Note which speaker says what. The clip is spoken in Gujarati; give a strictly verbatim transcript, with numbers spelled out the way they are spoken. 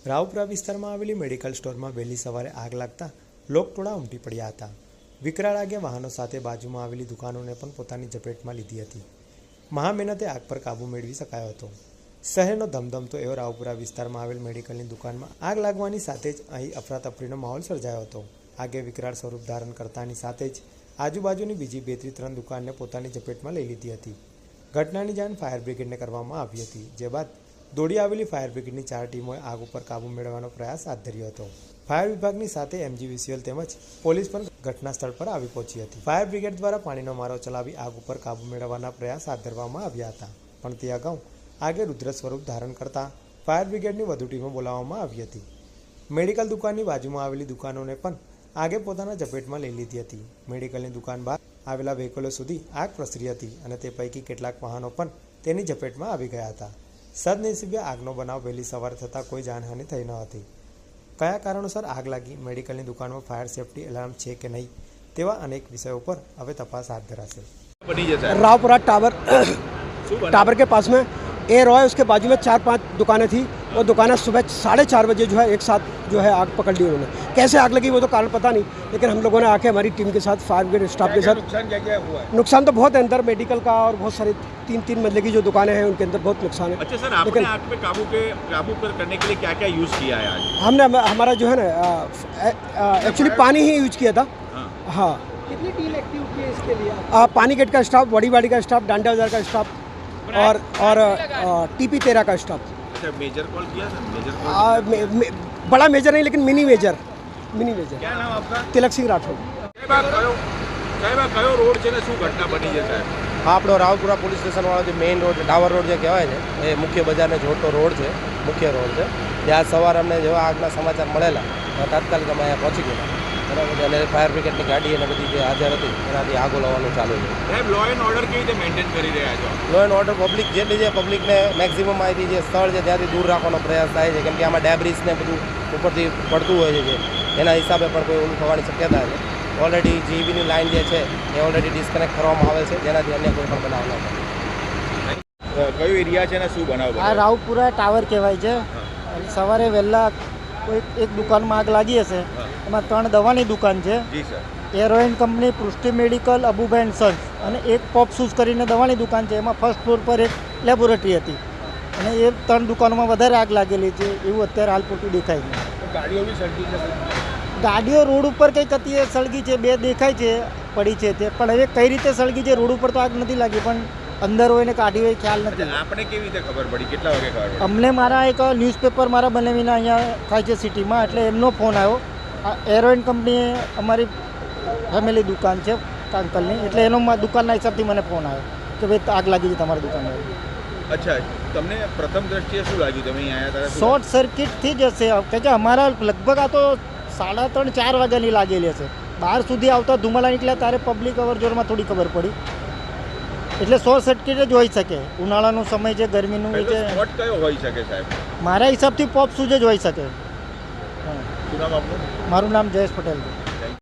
Speaker 1: રાવપુરા વિસ્તારમાં આવેલી મેડિકલ સ્ટોરમાં વહેલી સવારે આગ લાગતા લોકટોળા ઉમટી પડ્યા હતા। વિકરાળ આગે વાહનો સાથે બાજુમાં આવેલી દુકાનોને પણ પોતાની ઝપેટમાં લીધી હતી। મહામહેનતે આગ પર કાબૂ મેળવી શકાયો હતો। શહેરનો ધમધમતો એવો રાવપુરા વિસ્તારમાં આવેલ મેડિકલની દુકાનમાં આગ લાગવાની સાથે જ અહીં અફરાતફરીનો માહોલ સર્જાયો હતો। આગે વિકરાળ સ્વરૂપ ધારણ કરતાની સાથે જ આજુબાજુની બીજી બે થી ત્રણ દુકાનને પોતાની ઝપેટમાં લઈ લીધી હતી। ઘટનાની જાણ ફાયર બ્રિગેડને કરવામાં આવી હતી, જે બાદ દોડી આવેલી ફાયર બ્રિગેડની ચાર ટીમોએ આગ ઉપર કાબૂ મેળવવાનો પ્રયાસ હાથ ધર્યો હતો। ફાયર વિભાગની સાથે એમજીવીસીએલ તેમજ પોલીસ પણ ઘટના સ્થળ પર આવી પહોંચી હતી। ફાયર બ્રિગેડ દ્વારા પાણીનો મારો ચલાવી આગ ઉપર કાબૂ મેળવવાના પ્રયાસ હાથ ધરવામાં આવ્યા હતા, પણ તે અગાઉ આગે રુદ્ર સ્વરૂપ ધારણ કરતા ફાયર બ્રિગેડની વધુ ટીમો બોલાવવામાં આવી હતી। મેડિકલ દુકાનની બાજુમાં આવેલી દુકાનોને પણ આગે પોતાના ઝપેટમાં લઈ લીધી હતી। મેડિકલની દુકાન બહાર આવેલા વ્હીકલો સુધી આગ પ્રસરી હતી અને તે પૈકી કેટલાક વાહનો પણ તેની ઝપેટમાં આવી ગયા હતા। સદનસીબે આગનો બનાવ વહેલી સવારે થતાં કોઈ જાનહાનિ થઈ ન હતી। કયા કારણોસર આગ લાગી, મેડિકલની દુકાનમાં ફાયર સેફટી એલાર્મ છે કે નહીં, તેવા અનેક વિષયો પર હવે તપાસ હાથ ધરાશે।
Speaker 2: रावपुरा टावर टावर के पास में ए रॉय, उसके बाजू में चार पांच दुकानें थी। वो दुकानें सुबह साढ़े चार बजे जो है एक साथ जो है आग पकड़ ली उन्होंने। कैसे आग लगी वो तो कारण पता नहीं, लेकिन हम लोगों ने आके हमारी टीम के साथ, फायर ब्रिगेड स्टाफ के साथ, नुकसान क्या क्या हुआ है? नुकसान तो बहुत है अंदर मेडिकल का, और बहुत सारी तीन तीन मंजिल की जो दुकानें हैं उनके अंदर बहुत नुकसान है।
Speaker 3: अच्छा सर, आपने आग पे काबू के काबू पर करने के लिए क्या क्या यूज़ किया है आज?
Speaker 2: हमने हमारा जो है ना एक्चुअली पानी ही यूज किया था। हाँ,
Speaker 4: कितनी टीम एक्टिव की है इसके लिए?
Speaker 2: आ, पानी गेट का स्टाफ, बड़ी बाड़ी का स्टाफ, डांडा बाजार का स्टाफ और और टीपी तेरह का स्टाफ।
Speaker 3: अच्छा, मेजर कॉल किया सर? मेजर कॉल
Speaker 2: आ, मे, मे, बड़ा मेजर नहीं, लेकिन मिनी मेजर मिनी मेजर
Speaker 3: क्या नाम आपका?
Speaker 2: तिलक सिंह राठौड़।
Speaker 3: સાહેબ, કયો રોડ છે ને શું ઘટના બની છે સાહેબ?
Speaker 5: આપણો રાવપુરા પોલીસ સ્ટેશનવાળો જે મેઇન રોડ, ટાવર રોડ જે કહેવાય છે, એ મુખ્ય બજારને જોડતો રોડ છે, મુખ્ય રોડ છે। ત્યાં સવારે અમને જેવા આગના સમાચાર મળેલા, તાત્કાલિક અમે અહીંયા પહોંચી ગયા, બરાબર, અને ફાયર બ્રિગેડની ગાડી અને બધી જે હાજર હતી એનાથી આગો લાવવાનું ચાલુ છે।
Speaker 3: સાહેબ, લો એન્ડ ઓર્ડર કેવી રીતે મેન્ટેન કરી રહ્યા છો?
Speaker 5: લો એન્ડ ઓર્ડર પબ્લિક જેટલી છે, પબ્લિકને મેક્સિમમ અહીંથી જે સ્થળ છે ત્યાંથી દૂર રાખવાનો પ્રયાસ થાય છે, કેમ કે આમાં ડેબ્રિસ ને બધું ઉપરથી પડતું હોય છે, એના હિસાબે પણ કોઈ ઓલું થવાની શક્યતા છે। ઓલરેડી જીબીની લાઇન જે છે એ ઓલરેડી ડિસ્કનેક્ટ કરવામાં આવે છે, જેનાથી અન્ય કોઈ પણ બનાવ ન થાય।
Speaker 3: કયો એરિયા છે ને શું બનાવ?
Speaker 4: આ રાવપુરા ટાવર કહેવાય છે। સવારે વહેલા કોઈ એક દુકાનમાં આગ લાગી હશે, એમાં ત્રણ દવાની દુકાન છે।
Speaker 3: જી સર।
Speaker 4: એરોઇન company, Prishti medical, Abubhai and sons, અને એક પોપ શૂઝ કરીને દવાની દુકાન છે। એમાં ફર્સ્ટ ફ્લોર પર એક લેબોરેટરી હતી, અને એ ત્રણ દુકાનોમાં વધારે આગ લાગેલી છે એવું અત્યારે હાલ પૂરતું દેખાય છે।
Speaker 3: ગાડીઓ બી સળગી છે?
Speaker 4: ગાડીઓ રોડ ઉપર કંઈક હતી એ સળગી છે, બે દેખાય છે પડી છે તે, પણ હવે કઈ રીતે સળગી છે, રોડ ઉપર તો આગ નથી લાગી, પણ અંદર હોય ને કાઢી હોય ખ્યાલ નથી।
Speaker 3: આપણે કેવી રીતે ખબર પડી? કેટલા વાગે ખબર પડી?
Speaker 4: અમને મારા એક ન્યૂઝપેપર મારા બનાવીને અહીંયા થાય છે સિટીમાં, એટલે એમનો ફોન આવ્યો। આ એરોઇન કંપની અમારી ફેમિલી દુકાન છે અંકલની, એટલે એનો દુકાનના હિસાબથી મને ફોન આવ્યો કે ભાઈ આગ લાગી છે તમારી દુકાનમાં।
Speaker 3: અચ્છા, તમને પ્રથમ દ્રષ્ટિએ શું લાગ્યું? તમે અહીં આવ્યા ત્યારે
Speaker 4: શોર્ટ સર્કિટથી જ હશે, કારણ કે અમારા લગભગ આ તો સાડા ત્રણ ચાર વાગ્યાની લાગેલી હશે। બહાર સુધી આવતા ધુમાડા નીકળ્યા ત્યારે પબ્લિક અવર જોરમાં થોડી ખબર પડી, એટલે શોર્ટ સર્કિટ જ હોઈ શકે। ઉનાળાનો સમય છે, ગરમીનું છે।
Speaker 3: સ્પોટ કયો હોઈ શકે સાહેબ?
Speaker 4: મારા હિસાબથી પોપ શૂઝ જ હોઈ શકે।
Speaker 3: શું નામ આપનું?
Speaker 4: મારું નામ જયેશ પટેલ છે।